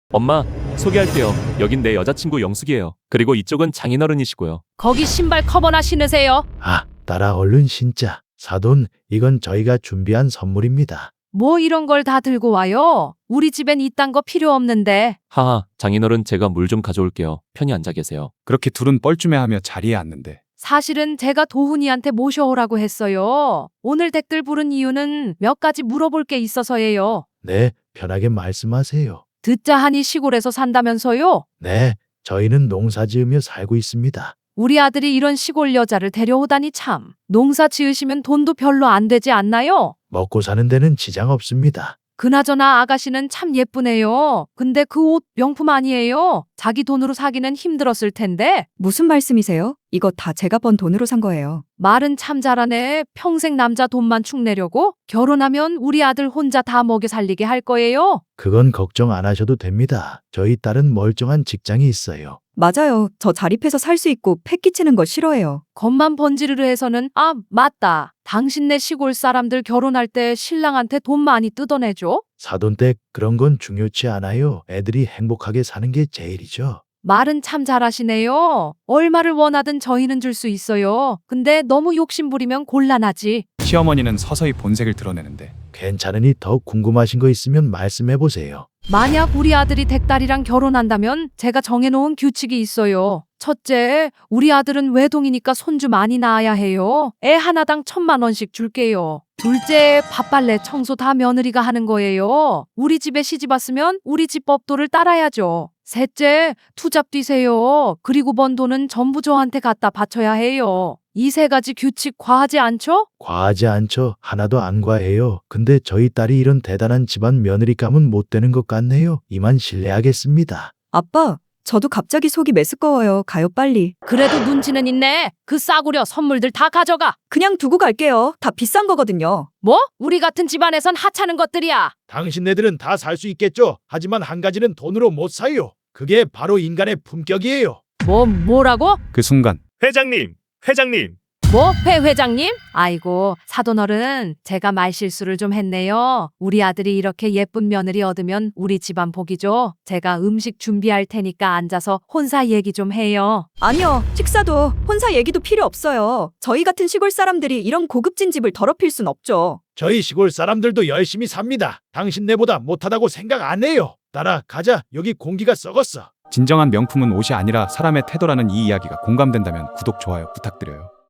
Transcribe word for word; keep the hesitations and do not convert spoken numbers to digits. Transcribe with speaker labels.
Speaker 1: 엄마, 소개할게요. 여긴 내 여자친구 영숙이에요. 그리고 이쪽은 장인어른이시고요.
Speaker 2: 거기 신발 커버나 신으세요.
Speaker 3: 아, 딸아 얼른 신자. 사돈, 이건 저희가 준비한 선물입니다.
Speaker 2: 뭐 이런 걸 다 들고 와요? 우리 집엔 이딴 거 필요 없는데.
Speaker 1: 하하, 장인어른 제가 물 좀 가져올게요. 편히 앉아 계세요.
Speaker 4: 그렇게 둘은 뻘쭘해하며 자리에 앉는데
Speaker 2: 사실은 제가 도훈이한테 모셔오라고 했어요. 오늘 댓글 부른 이유는 몇 가지 물어볼 게 있어서예요.
Speaker 3: 네, 편하게 말씀하세요.
Speaker 2: 듣자 하니 시골에서 산다면서요?
Speaker 3: 네, 저희는 농사 지으며 살고 있습니다.
Speaker 2: 우리 아들이 이런 시골 여자를 데려오다니 참. 농사 지으시면 돈도 별로 안 되지 않나요?
Speaker 3: 먹고 사는 데는 지장 없습니다.
Speaker 2: 그나저나 아가씨는 참 예쁘네요. 근데 그 옷 명품 아니에요? 자기 돈으로 사기는 힘들었을 텐데.
Speaker 5: 무슨 말씀이세요? 이거 다 제가 번 돈으로 산 거예요.
Speaker 2: 말은 참 잘하네. 평생 남자 돈만 축내려고? 결혼하면 우리 아들 혼자 다 먹여 살리게 할 거예요?
Speaker 3: 그건 걱정 안 하셔도 됩니다. 저희 딸은 멀쩡한 직장이 있어요.
Speaker 5: 맞아요. 저 자립해서 살 수 있고 패 끼치는 거 싫어해요.
Speaker 2: 겉만 번지르르 해서는 아 맞다. 당신네 시골 사람들 결혼할 때 신랑한테 돈 많이 뜯어내줘?
Speaker 3: 사돈댁 그런 건 중요치 않아요. 애들이 행복하게 사는 게 제일이죠.
Speaker 2: 말은 참 잘하시네요. 얼마를 원하든 저희는 줄 수 있어요. 근데 너무 욕심부리면 곤란하지.
Speaker 4: 시어머니는 서서히 본색을 드러내는데
Speaker 3: 괜찮으니 더 궁금하신 거 있으면 말씀해 보세요.
Speaker 2: 만약 우리 아들이 댁딸이랑 결혼한다면 제가 정해놓은 규칙이 있어요. 첫째, 우리 아들은 외동이니까 손주 많이 낳아야 해요. 애 하나당 천만 원씩 줄게요. 둘째, 밥빨래 청소 다 며느리가 하는 거예요. 우리 집에 시집 왔으면 우리 집 법도를 따라야죠. 셋째, 투잡 뛰세요. 그리고 번 돈은 전부 저한테 갖다 바쳐야 해요. 이 세 가지 규칙 과하지 않죠?
Speaker 3: 과하지 않죠. 하나도 안 과해요. 근데 저희 딸이 이런 대단한 집안 며느리감은 못 되는 것 같네요. 이만 실례하겠습니다.
Speaker 5: 아빠, 저도 갑자기 속이 메스꺼워요. 가요 빨리.
Speaker 2: 그래도 눈치는 있네. 그 싸구려 선물들 다 가져가.
Speaker 5: 그냥 두고 갈게요. 다 비싼 거거든요.
Speaker 2: 뭐? 우리 같은 집안에선 하찮은 것들이야.
Speaker 3: 당신네들은 다 살 수 있겠죠. 하지만 한 가지는 돈으로 못 사요. 그게 바로 인간의 품격이에요.
Speaker 2: 뭐 뭐라고?
Speaker 4: 그 순간
Speaker 6: 회장님, 회장님.
Speaker 2: 뭐, 회 회장님? 아이고, 사돈어른, 제가 말실수를 좀 했네요. 우리 아들이 이렇게 예쁜 며느리 얻으면 우리 집안 복이죠. 제가 음식 준비할 테니까 앉아서 혼사 얘기 좀 해요.
Speaker 5: 아니요. 식사도 혼사 얘기도 필요 없어요. 저희 같은 시골 사람들이 이런 고급진 집을 더럽힐 순 없죠.
Speaker 3: 저희 시골 사람들도 열심히 삽니다. 당신네보다 못하다고 생각 안 해요. 딸아, 가자. 여기 공기가 썩었어.
Speaker 4: 진정한 명품은 옷이 아니라 사람의 태도라는 이 이야기가 공감된다면 구독, 좋아요 부탁드려요.